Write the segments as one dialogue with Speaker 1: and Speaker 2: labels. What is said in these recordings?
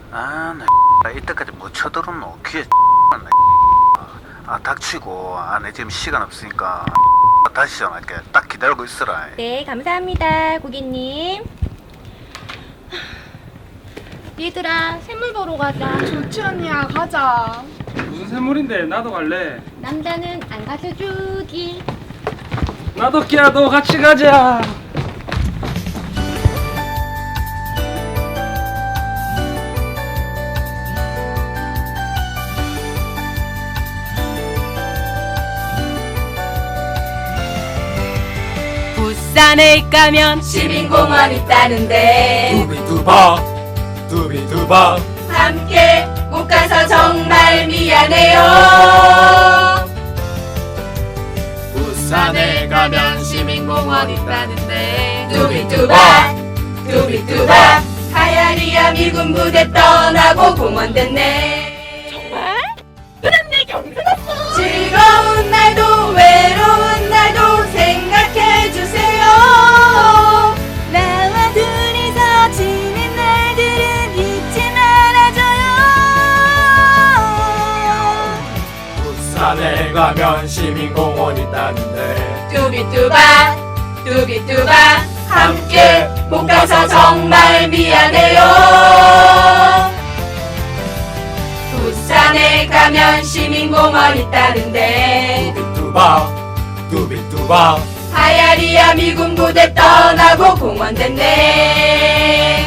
Speaker 1: 아, 나 이때까지 못 쳐들었노. 귀에 닥치고. 내 지금 시간 없으니까 다시 전화할게. 딱 기다리고 있어라.
Speaker 2: 네, 감사합니다, 고객님. 얘들아, 샘물 보러 가자.
Speaker 3: 좋지 언니야, 가자.
Speaker 4: 무슨 샘물인데? 나도 갈래.
Speaker 2: 남자는 안 가서 주기.
Speaker 4: 나도 끼야도 같이 가자.
Speaker 2: 부산에 가면 시민공원 있다는데
Speaker 5: 두비두바 두비두바
Speaker 2: 함께 못 가서 정말 미안해요.
Speaker 5: 부산에 가면 시민공원 있다는데
Speaker 2: 두비두바 두비두바 하야리야 미군 부대 떠나고 공원 됐네. 정말? 그럼 내 경비 났어. 즐거운 날도 외로운 날도 생각해주세요. 나와 둘이서 지낸 날들은 잊지 말아줘요.
Speaker 5: 부산에 가면 시민공원 있다는데
Speaker 2: 두비두바 두비두바 함께 못 가서 정말 미안해요. 부산에 가면 시민공원 있다는데
Speaker 5: 두비두바 두비두바
Speaker 2: 하야리야 미군 부대 떠나고 공원 됐네.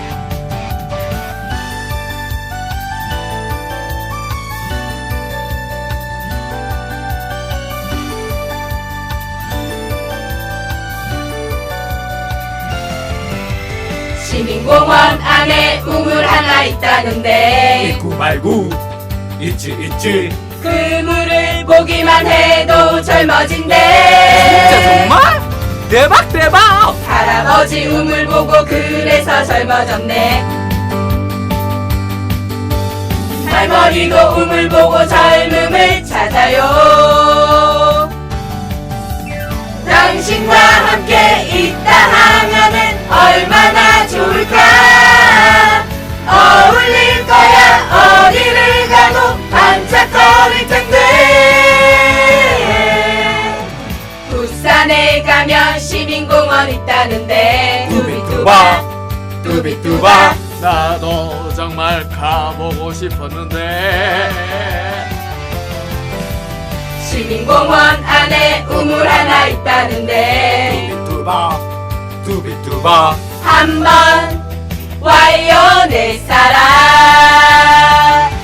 Speaker 2: 시민공원 안에 우물 하나 있다는데
Speaker 5: 있고 말고 있지
Speaker 2: 그 물을 보기만 해도 젊어진대.
Speaker 5: 진짜 정말? 대박
Speaker 2: 할아버지 우물 보고 그래서 젊어졌네. 할머니도 우물 보고 젊음을 찾아요. 당신과 함께 있다 하면은 얼마나 좋을까. 어울릴 거야. 어디를 가도 반짝거릴 텐데. 부산에 가면 시민공원 있다는데
Speaker 5: 두비두바 두비두바 나도 정말 가보고 싶었는데
Speaker 2: 시민공원 안에 우물 하나 있다는데
Speaker 5: 두비두바 두비두바
Speaker 2: 한번 와요 내 사랑.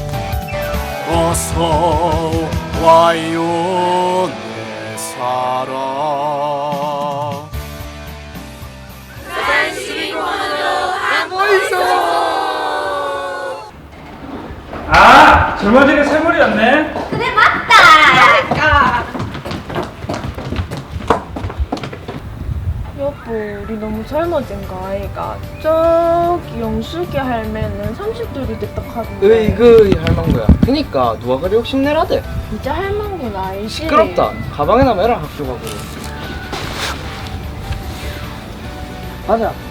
Speaker 5: 어서 와요 내 사랑
Speaker 2: 부산 시민공원으로
Speaker 4: 아, 젊어지는 샘물이었네.
Speaker 2: 그래 맞다.
Speaker 3: 여보, 우리 너무 젊어진 거 아이가? 저기 영숙이 할매는 30돌이 됐다 카던데.
Speaker 6: 으이그 이 할망구야. 그니까 누가 그리 욕심내라대.
Speaker 3: 진짜 할망구는 알지?
Speaker 6: 시끄럽다. 가방에나 매라 학교 가고. 가자.